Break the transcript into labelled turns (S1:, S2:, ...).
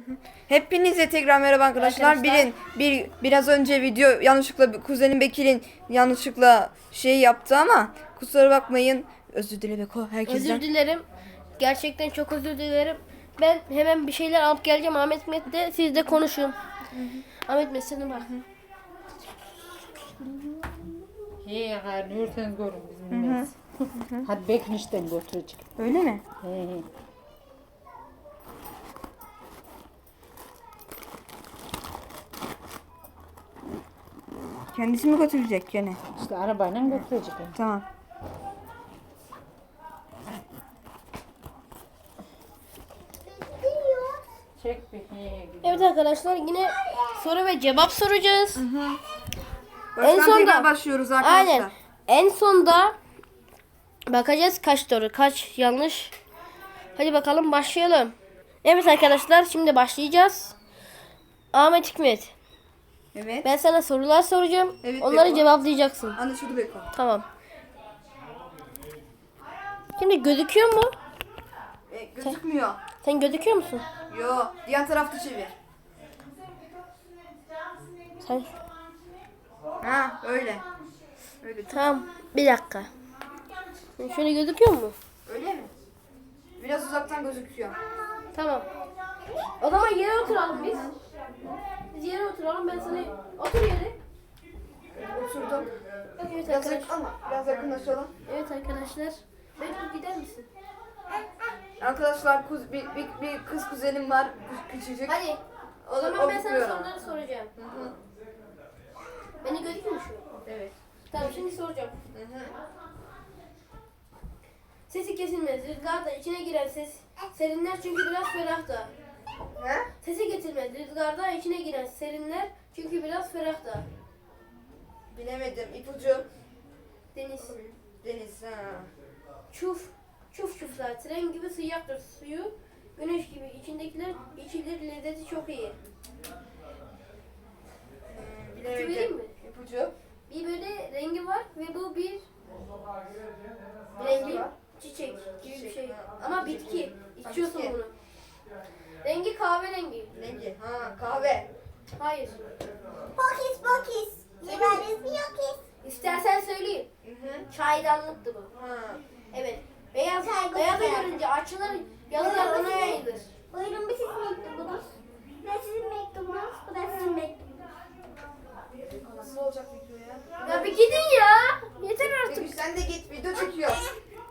S1: Hepinize tekrar merhaba arkadaşlar. Biraz önce video yanlışlıkla kuzenim Bekir'in yanlışlıkla şey yaptı ama kusura bakmayın. Özür dile Beko herkesten.
S2: Özür dilerim. Gerçekten çok özür dilerim. Ben hemen bir şeyler alıp geleceğim. Ahmet Mehmet de siz de konuşun. Ahmet Mehmet sana bak.
S3: He gayrı yürürseniz görün bizim bilmez. Hadi Bekmiş'ten götürecek.
S1: Öyle mi?
S3: He.
S1: Kendisi mi götürecek gene?
S3: İşte arabayla götürecek.
S1: Tamam.
S3: Çek bir. He.
S2: Evet arkadaşlar yine soru ve cevap soracağız.
S1: Baştan
S2: sonda-
S1: tekrar başlıyoruz arkadaşlar.
S2: Aynen. En sonda bakacağız kaç doğru kaç yanlış. Hadi bakalım başlayalım. Evet arkadaşlar şimdi başlayacağız. Ahmet Hikmet.
S1: Evet.
S2: Ben sana sorular soracağım.
S1: Evet,
S2: Onları
S1: Beko.
S2: cevaplayacaksın.
S1: Anlaşıldı Beko.
S2: Tamam. Şimdi gözüküyor mu?
S1: Gözükmüyor.
S2: Sen gözüküyor musun?
S1: Yo, diğer tarafta çevir.
S2: Sen
S1: Ha, öyle. Öyle.
S2: tamam. Bir dakika. Sen şöyle gözüküyor mu?
S1: Öyle mi? Biraz uzaktan gözüküyor.
S2: Tamam. O zaman yere oturalım biz. Biz yere oturalım. Ben sana otur yere.
S1: Oturdum.
S2: Evet
S1: Biraz
S2: arkadaşlar.
S1: ama biraz yakınlaşalım.
S2: Evet arkadaşlar. Bekle gider misin?
S1: Arkadaşlar bir kız kuzenim var küçücük.
S2: Hadi. O
S1: Onu
S2: zaman ben sana
S1: okuyorum.
S2: soruları soracağım. Beni gözüküyor mu şu?
S1: Evet.
S2: Tamam şimdi soracağım. Sesi kesilmez. Rüzgarda içine giren ses serinler çünkü biraz ferah da.
S1: He?
S2: Sesi getirmez. Rüzgarda içine giren serinler çünkü biraz ferah da.
S1: Bilemedim. İpucu.
S2: Deniz.
S1: Deniz. Ha.
S2: Çuf. Çuf çuflar. Tren gibi sıcaktır suyu. Güneş gibi içindekiler içilir lezzeti çok iyi.
S1: Bilemedim.
S2: vereyim mi?
S1: İpucu.
S2: Bir böyle rengi var ve bu bir
S1: Rengi var.
S2: çiçek gibi bir
S1: Çiçek,
S2: şey.
S1: ha.
S2: Ama bitki. İçiyorsun
S1: bitki.
S2: bunu. Rengi kahverengi.
S1: Rengi. Ha, kahve.
S2: Hayır.
S4: Pokis pokis. Yemeniz mi yokis?
S2: İstersen söyleyeyim. Çaydanlıktı bu.
S1: Ha.
S2: Evet. Beyaz
S4: Çay
S2: beyazı
S4: kokuyor.
S2: görünce açılır, yazılar ona yayılır.
S4: Buyurun bu sizin mektubunuz. Bu da sizin mektubunuz. Bu da sizin mektubunuz.
S1: Nasıl olacak video ya?
S2: Ya bir gidin ya. Yeter artık.
S1: Peki sen de git video çekiyor.